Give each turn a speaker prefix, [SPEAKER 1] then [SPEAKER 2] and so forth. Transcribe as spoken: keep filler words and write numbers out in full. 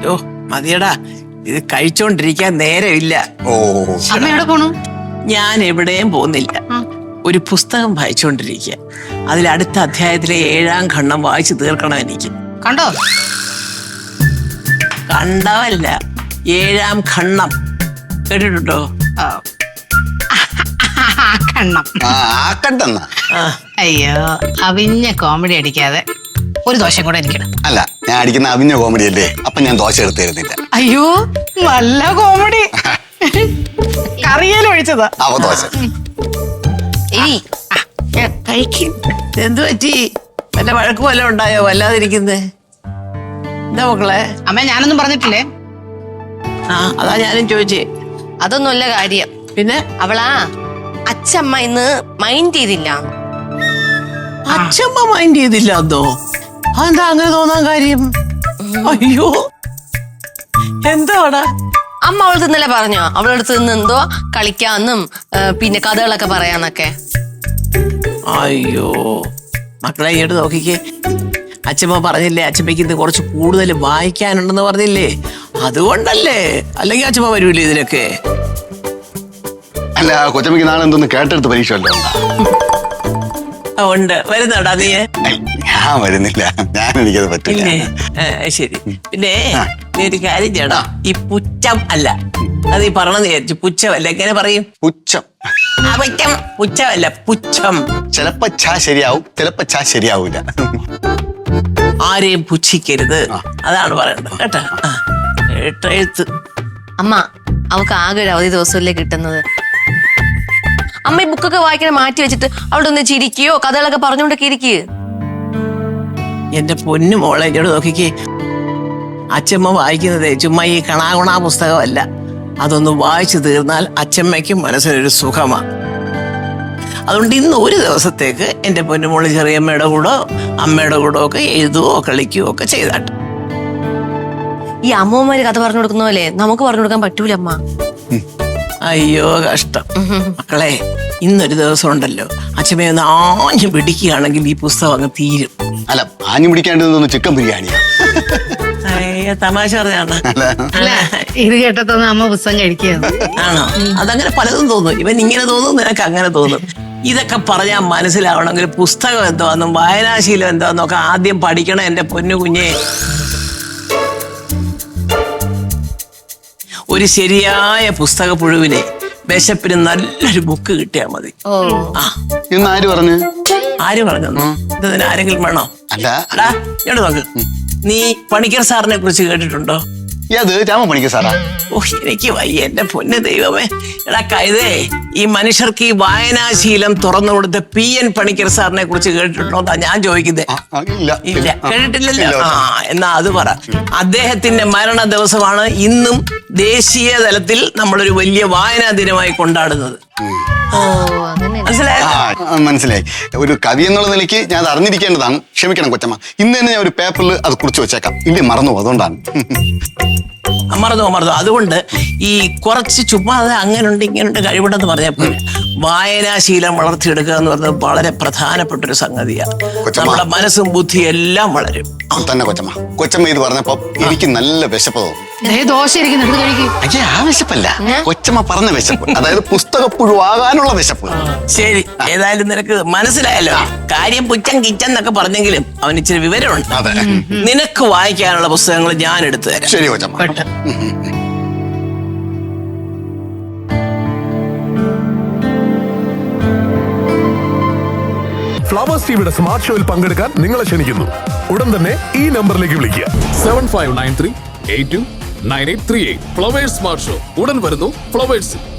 [SPEAKER 1] ഓ മതിയടാ, ഇത് കഴിച്ചോണ്ടിരിക്കാൻ നേരമില്ല.
[SPEAKER 2] ഓ
[SPEAKER 3] അമ്മ എവിടെ പോണു?
[SPEAKER 1] ഞാൻ എവിടെയും പോകുന്നില്ല. ഒരു പുസ്തകം വായിച്ചുകൊണ്ടിരിക്കുക. അതിൽ അടുത്ത അധ്യായത്തിലെ ഏഴാം ഖണ്ഡം വായിച്ചു തീർക്കണം എനിക്ക്.
[SPEAKER 3] കണ്ടോ?
[SPEAKER 1] കണ്ടവല്ല, ഏഴാം ഖണ്ഡം കേട്ടിട്ടുണ്ടോ?
[SPEAKER 3] കണ്ണം.
[SPEAKER 2] ആക്കട്ടെന്ന.
[SPEAKER 3] അയ്യോ, അവിഞ്ഞ കോമഡി അടിക്കാതെ ഒരു ദോശം കൂടെ എനിക്കിടും.
[SPEAKER 2] അല്ല, ഞാൻ അടിക്കുന്ന അവിഞ്ഞ കോമഡി അല്ലേ, അപ്പൊ ഞാൻ ദോശ എടുത്ത് തരുന്നില്ല.
[SPEAKER 3] അയ്യോ, നല്ല കോമഡി. കറിയേലും ഒഴിച്ചതാ.
[SPEAKER 2] അവ ദോശ
[SPEAKER 1] കഴിക്കും. എന്തു പറ്റി? വല്ല വഴക്ക് വല്ല ഉണ്ടായോ? വല്ലാതിരിക്കുന്നേ എന്താ മക്കളെ?
[SPEAKER 3] അമ്മ ഞാനൊന്നും പറഞ്ഞിട്ടില്ലേ?
[SPEAKER 1] ആ അതാ ഞാനും ചോദിച്ചേ.
[SPEAKER 4] അതൊന്നുമല്ല കാര്യം.
[SPEAKER 1] പിന്നെ
[SPEAKER 4] അവളാ അച്ഛമ്മ ഇന്ന് മൈൻഡ് ചെയ്തില്ല.
[SPEAKER 1] അച്ഛമ്മ മൈൻഡ് ചെയ്തില്ല എന്തോ? അതെന്താ അങ്ങനെ തോന്നാൻ കാര്യം? അയ്യോ, എന്താടാ?
[SPEAKER 4] അമ്മ അവളടുത്ത് ഇന്നലെ പറഞ്ഞോ അവളടുത്ത് നിന്ന് എന്തോ കളിക്കാന്നും പിന്നെ കഥകളൊക്കെ പറയാന്നൊക്കെ.
[SPEAKER 1] അയ്യോ മക്കളെ, ഇങ്ങോട്ട് നോക്കിക്കേ. അച്ഛമ്മ പറഞ്ഞില്ലേ അച്ഛമ്മയ്ക്ക് ഇന്ന് കുറച്ച് കൂടുതൽ വായിക്കാനുണ്ടെന്ന് പറഞ്ഞില്ലേ? അതുകൊണ്ടല്ലേ, അല്ലെങ്കിൽ അച്ഛമ്മ വരൂല്ലേ ഇതിനൊക്കെ?
[SPEAKER 2] അല്ല, കൊച്ചമ്മക്ക് നാളെ എന്തോന്ന് കേട്ടെടുത്ത് പരീക്ഷ വല്ലോ?
[SPEAKER 1] ഉണ്ട്. വരുന്നോടാ നീ?
[SPEAKER 2] ഞാൻ വരുന്നില്ല, ഞാൻ എനിക്കത് പറ്റില്ല.
[SPEAKER 1] ശരി. പിന്നെ നീ ഒരു കാര്യം ചെയ്യണം. ഈ പുച്ഛം അല്ല, അത് ഈ പറഞ്ഞെന്ന് വിചാരിച്ചു. പുച്ഛമല്ല, എങ്ങനെ പറയും?
[SPEAKER 2] പുച്ഛം.
[SPEAKER 1] പുച്ഛം പുച്ഛമല്ല, പുച്ഛം.
[SPEAKER 2] ചിലപ്പോ ഛാ ശരിയാവും, ചിലപ്പോ ഛാ ശരിയാവൂല.
[SPEAKER 1] ആരെയും പുച്ഛിക്കരുത്, അതാണ് പറയേണ്ടത് കേട്ടാ. എഴുത്ത്
[SPEAKER 4] അമ്മ അവൾക്ക് ആകെ ഒരു അവധി ദിവസമല്ലേ കിട്ടുന്നത്. അമ്മ ഈ ബുക്കൊക്കെ വായിക്കാൻ മാറ്റി വെച്ചിട്ട് അവിടെ ഒന്ന് ചിരിക്കുകയോ കഥകളൊക്കെ പറഞ്ഞുകൊണ്ടൊക്കെ ഇരിക്കുക.
[SPEAKER 1] എന്റെ പൊന്നു മോളെ, ഇങ്ങോട്ട് നോക്കിക്കേ. അച്ഛമ്മ വായിക്കുന്നതേ ചുമ്മാ ഈ കണാകുണാ പുസ്തകമല്ല. അതൊന്ന് വായിച്ചു തീർന്നാൽ അച്ഛമ്മയ്ക്കും മനസ്സിനൊരു സുഖമാണ്. അതുകൊണ്ട് ഇന്ന് ഒരു ദിവസത്തേക്ക് എന്റെ പൊന്നുമോള് ചെറിയമ്മയുടെ കൂടോ അമ്മയുടെ കൂടോ ഒക്കെ എഴുതുകയോ കളിക്കുകയോ ഒക്കെ ചെയ്താട്ടെ.
[SPEAKER 4] ഈ അമ്മൂമ്മമാര് കഥ പറഞ്ഞു കൊടുക്കുന്ന പോലെ നമുക്ക് പറഞ്ഞു കൊടുക്കാൻ പറ്റൂല അമ്മ.
[SPEAKER 1] അയ്യോ കഷ്ടം. മക്കളെ, ഇന്നൊരു ദിവസം ഉണ്ടല്ലോ, അച്ഛമ്മയെ ഒന്ന് ആഞ്ഞു പിടിക്കുകയാണെങ്കിൽ ഈ പുസ്തകം അങ്ങ് തീരും.
[SPEAKER 2] അല്ല, ആഞ്ഞു പിടിക്കേണ്ടതൊന്ന് ചിക്കൻ ബിരിയാണിയാ.
[SPEAKER 1] അയ്യോ, തമാശ പറഞ്ഞാണ്.
[SPEAKER 3] അല്ല, ഇത് കേട്ടതൊന്നും അമ്മ പുസ്തകം കഴിക്കുകയാണ്.
[SPEAKER 1] ആണോ? അതങ്ങനെ പലതും തോന്നും. ഇവൻ ഇങ്ങനെ തോന്നും, നിനക്ക് അങ്ങനെ തോന്നും. ഇതൊക്കെ പറഞ്ഞാൽ മനസ്സിലാവണമെങ്കിൽ പുസ്തകം എന്തോന്നും വായനാശീലം എന്തോന്നൊക്കെ ആദ്യം പഠിക്കണം എന്റെ പൊന്നു കുഞ്ഞെ. ഒരു ശരിയായ പുസ്തക പുഴുവിനെ വിശപ്പിന് നല്ലൊരു ബുക്ക് കിട്ടിയാൽ മതി. ആ
[SPEAKER 2] ഇന്ന് ആര് പറഞ്ഞു?
[SPEAKER 1] ആര് പറഞ്ഞു? ഇതിന് ആരെങ്കിലും വേണോ?
[SPEAKER 2] അല്ല,
[SPEAKER 1] എടാ ഇങ്ങോട്ട് നോക്ക്. നീ പണിക്കർ സാറിനെ കുറിച്ച് കേട്ടിട്ടുണ്ടോ?
[SPEAKER 2] അത് രാമ പണിക്കർ സാറാ?
[SPEAKER 1] ഓ, എനിക്ക് വയ്യ എന്റെ പൊന്ന് ദൈവമേ. എടാ കൈതേ, ഈ മനുഷ്യർക്ക് ഈ വായനാശീലം തുറന്നു കൊടുത്ത പി എൻ പണിക്കർ സാറിനെ കുറിച്ച് കേട്ടിട്ടുണ്ടോ എന്നാ ഞാൻ ചോദിക്കുന്നത്. ഇല്ല, കേട്ടിട്ടില്ലല്ലോ. ആ എന്നാ അത് പറ. അദ്ദേഹത്തിന്റെ മരണ ദിവസമാണ് ഇന്നും ദേശീയ തലത്തിൽ നമ്മളൊരു വലിയ വായനാ ദിനമായി കൊണ്ടാടുന്നത്. മനസ്സിലായോ?
[SPEAKER 2] മനസ്സിലായി. ഒരു കവി എന്നുള്ള നിലയ്ക്ക് ഞാൻ അത് അറിഞ്ഞിരിക്കേണ്ടതാണ്. ക്ഷമിക്കണം കൊച്ചമ്മ. ഇന്ന് തന്നെ ഞാൻ ഒരു പേപ്പറിൽ അത് കുറിച്ച് വെച്ചേക്കാം. ഇല്ലേ, മറന്നു, അതുകൊണ്ടാണ്.
[SPEAKER 1] മറന്നോ മറന്നോ അതുകൊണ്ട് ഈ കുറച്ച് ചുമ്മാതെ അങ്ങനുണ്ട് ഇങ്ങനുണ്ട് കഴിവുണ്ടെന്ന് പറഞ്ഞപ്പോൾ വായനാശീലം വളർത്തിയെടുക്കുക എന്ന് പറഞ്ഞത് വളരെ പ്രധാനപ്പെട്ട ഒരു സംഗതിയാണ്. നമ്മുടെ മനസ്സും ബുദ്ധിയും എല്ലാം വളരും.
[SPEAKER 2] തന്നെ കൊച്ചമ്മ. കൊച്ചമ്മ ഇത് പറഞ്ഞപ്പോ എനിക്ക് നല്ല വിശപ്പ് തോന്നും.
[SPEAKER 3] ദോശ ഇരിക്കുന്നു, കഴിക്കും.
[SPEAKER 2] അയ്യേ, ആ വിശപ്പല്ല, കൊച്ചമ്മ പറഞ്ഞ വിശപ്പ്. അതായത് പുസ്തകപ്പുഴുവാകാനുള്ള വിശപ്പ്.
[SPEAKER 1] ശരി, ഏതായാലും നിനക്ക് മനസ്സിലായല്ലോ. കാര്യം പുച്ചൻ കിച്ചൻ എന്നൊക്കെ പറഞ്ഞെങ്കിലും അവന് ഇച്ചിരി വിവരമുണ്ട്. നിനക്ക് വായിക്കാനുള്ള പുസ്തകങ്ങൾ ഞാൻ എടുത്തു തരാം.
[SPEAKER 2] ശരി കൊച്ചമ്മ.
[SPEAKER 5] ഫ്ലവേഴ്സ് ടിവിയുടെ സ്മാർട്ട് ഷോയിൽ പങ്കെടുക്കാൻ നിങ്ങളെ ക്ഷണിക്കുന്നു. ഉടൻ തന്നെ ഈ നമ്പറിലേക്ക് വിളിക്കുക.
[SPEAKER 6] Seven five nine three eight two nine eight three eight. Flowers smart show ഉടൻ വരുന്നു ഫ്ലവേഴ്സ്.